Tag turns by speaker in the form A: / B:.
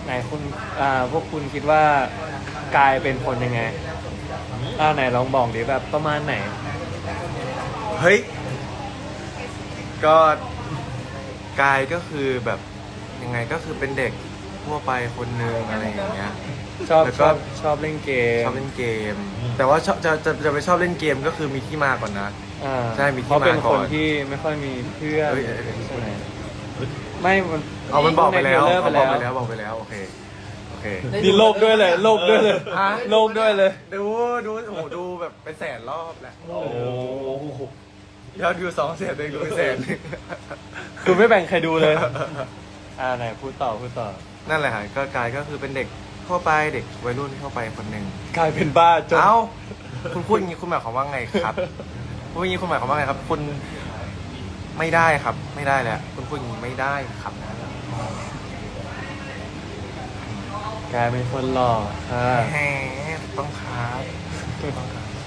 A: ไหนคุณพวกคุณคิดว่ากายเป็นคนยังไงไหนลองบอกดิแบบประมาณไหน
B: เฮ้ยก็กายก็คือแบบยังไงก็คือเป็นเด็กทั่วไปคนหนึงอะไรอย่างเงี้ย
A: ชอบ
B: แล้ว
A: ช
B: ก็
A: อบชอบเล่นเกม
B: ชอบเล่นเกม แต่ว่าชอบจะไปชอบเล่นเกมก็คือมีที่มาก่อนนะ ใช่มีที่
A: เพราะเป็น
B: มาก่
A: ค
B: อน
A: นที่ไม่ค่อยมีเพื่อน
B: เฮ้ย
A: ใช่ไหมไม่มัน
B: มันบอกไปแล้ว
A: ในเทรลเลอร์ไป
B: บอกไปแล้วโอเค
A: นี่โลกด้วยเลยโลกด้วยเลย
B: ฮะ
A: โลกด้วยเลย
B: ดูโอ้โหดูแบบเป็นแสนรอบแหละ
A: โอ้โห
B: ยอดวิว200,000เองดูเป็นแสน
A: คือไม่แบ่งใครดูเลยไหนพูดต่อ
B: นั่นแหละฮะก็กายก็คือเป็นเด็กทั่วไปเด็กวัยรุ่นทั่วไปคนหนึ่ง
A: กลายเป็นบ้าจน
B: เอ้าคุณพูดอย่างนี้คุณหมายความว่าไงครับพูดอย่างนี้คุณหมายความว่าไงครับ คุณไม่ได้ครับ ไม่ได้แหละคุณพูดอย่างนี้ไม่ได้ครับ
A: กลายเป็นคนหล่อ
B: แหมต้องครับ